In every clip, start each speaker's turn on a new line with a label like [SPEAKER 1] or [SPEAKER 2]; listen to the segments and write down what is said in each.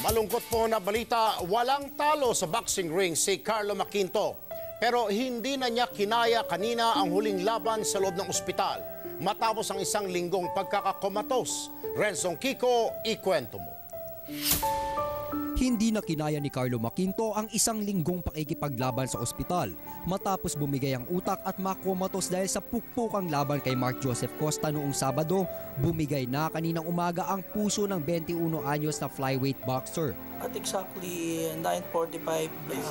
[SPEAKER 1] Malungkot po na balita, walang talo sa boxing ring si Carlo Maquinto. Pero hindi na niya kinaya kanina ang huling laban sa loob ng ospital. Matapos ang isang linggong pagkakakomatos. Renzong Kiko, ikwento mo.
[SPEAKER 2] Hindi na kinaya ni Carlo Maquinto ang isang linggong pakikipaglaban sa ospital matapos bumigay ang utak at makomatos dahil sa pukpukang laban kay Mark Joseph Costa noong Sabado. Bumigay na kaninang umaga ang puso ng 21 anyos na flyweight boxer.
[SPEAKER 3] At exactly 9:45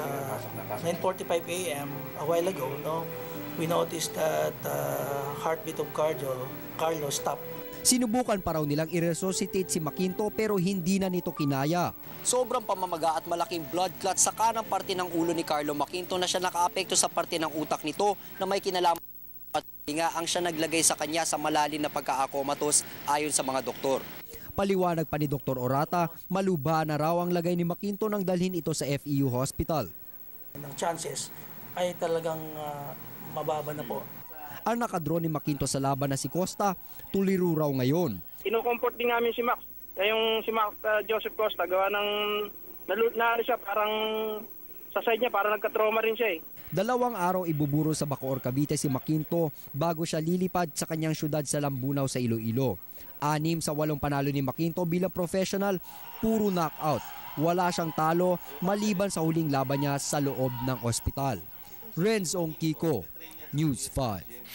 [SPEAKER 3] a.m. a while ago, we noticed that heartbeat of Carlo stopped.
[SPEAKER 2] Sinubukan pa raw nilang i-resuscitate si Maquinto pero hindi na nito kinaya. Sobrang pamamaga at malaking blood clot sa kanang parte ng ulo ni Carlo Maquinto na siya nakaapekto sa parte ng utak nito na may kinalaman at nga ang siya naglagay sa kanya sa malalim na pagkaakomatos ayon sa mga doktor. Paliwanag pa ni Dr. Orata, maluba na raw ang lagay ni Maquinto nang dalhin ito sa FEU Hospital.
[SPEAKER 3] Ang chances ay talagang mababa na po.
[SPEAKER 2] Ang nakadraw ni Maquinto sa laban na si Costa, tuliro raw ngayon.
[SPEAKER 4] Ino-comfort din namin si Max. Yung si Max Joseph Costa, gawa ng na siya, parang sa side niya, parang nagka-trauma rin siya eh.
[SPEAKER 2] 2 araw ibuburo sa Bacoor, Cavite si Maquinto bago siya lilipad sa kanyang syudad sa Lambunaw sa Iloilo. 6 sa 8 panalo ni Maquinto bilang professional, puro knockout. Wala siyang talo maliban sa huling laban niya sa loob ng ospital. Renzong Kiko, News 5.